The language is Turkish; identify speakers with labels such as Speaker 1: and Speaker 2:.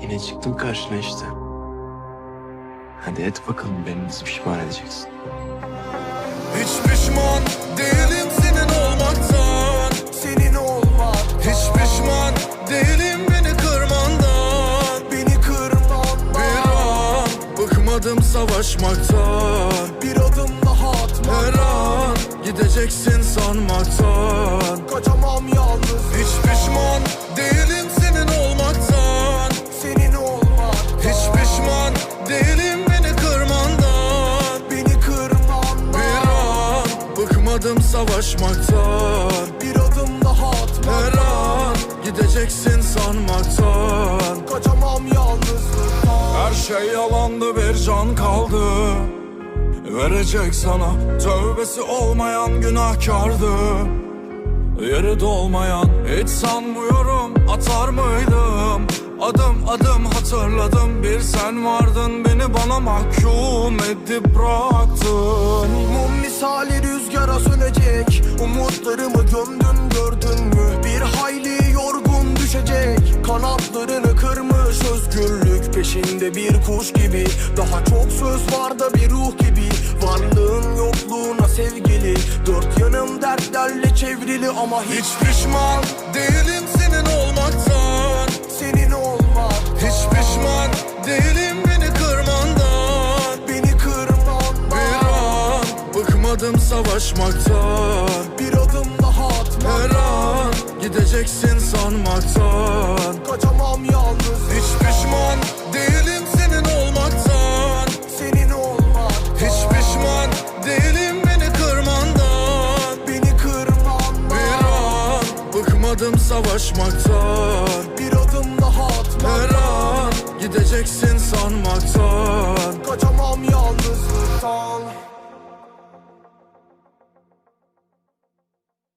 Speaker 1: Yine çıktım karşına işte. Hadi et bakalım, beni nasıl pişman edeceksin?
Speaker 2: Hiç pişman değilim senin olmaktan.
Speaker 3: Senin olmak,
Speaker 2: Hiç pişman değilim beni kırmandan.
Speaker 3: beni kırman,
Speaker 2: Bir an bıkmadım savaşmaktan.
Speaker 3: bir adım daha atma.
Speaker 2: Her an gideceksin sanmaktan.
Speaker 3: Kaçamam yalnız,
Speaker 2: Hiç pişman değilim senin olmaktan.
Speaker 3: senin olmak,
Speaker 2: Hiç pişman değilim beni kırmandan.
Speaker 3: beni kırman,
Speaker 2: Bir an bıkmadım savaşmaktan.
Speaker 3: bir adım daha atma.
Speaker 2: Her an gideceksin sanmaktan.
Speaker 3: Kaçamam yalnızlıktan.
Speaker 2: Her şey yalandı, bir can kaldı verecek sana. Tövbesi olmayan günahkardı, yeri dolmayan. Hiç sanmıyorum atar mıydım. Adım adım hatırladım, bir sen vardın, beni bana mahkum edip bıraktın.
Speaker 3: Mum misali rüzgara sönecek, umutlarımı gömdün gördün mü? Bir hayli yorgun düşecek, kanatlarını kırmış özgürlük peşinde bir kuş gibi. Daha çok söz var da bir ruh gibi, varlığın yokluğuna sevgili. Dört yanım dertlerle çevrili ama hiç
Speaker 2: Hiç pişman değilim senin olmaktan.
Speaker 3: senin olmak,
Speaker 2: Hiç pişman değilim beni kırmandan.
Speaker 3: beni kırman,
Speaker 2: Bir an bıkmadım savaşmaktan.
Speaker 3: bir adım daha atma.
Speaker 2: Her an gideceksin sanmaktan.
Speaker 3: Kaçamam yalnız,
Speaker 2: Hiç pişman değilim senin olmaktan.
Speaker 3: senin olmak,
Speaker 2: Hiç pişman değilim beni kırmandan.
Speaker 3: beni kırman,
Speaker 2: Bir an bıkmadım savaşmaktan.
Speaker 3: bir adım daha atma.
Speaker 2: Her an gideceksin sanmaktan.
Speaker 3: Kaçamam yalnızlıktan.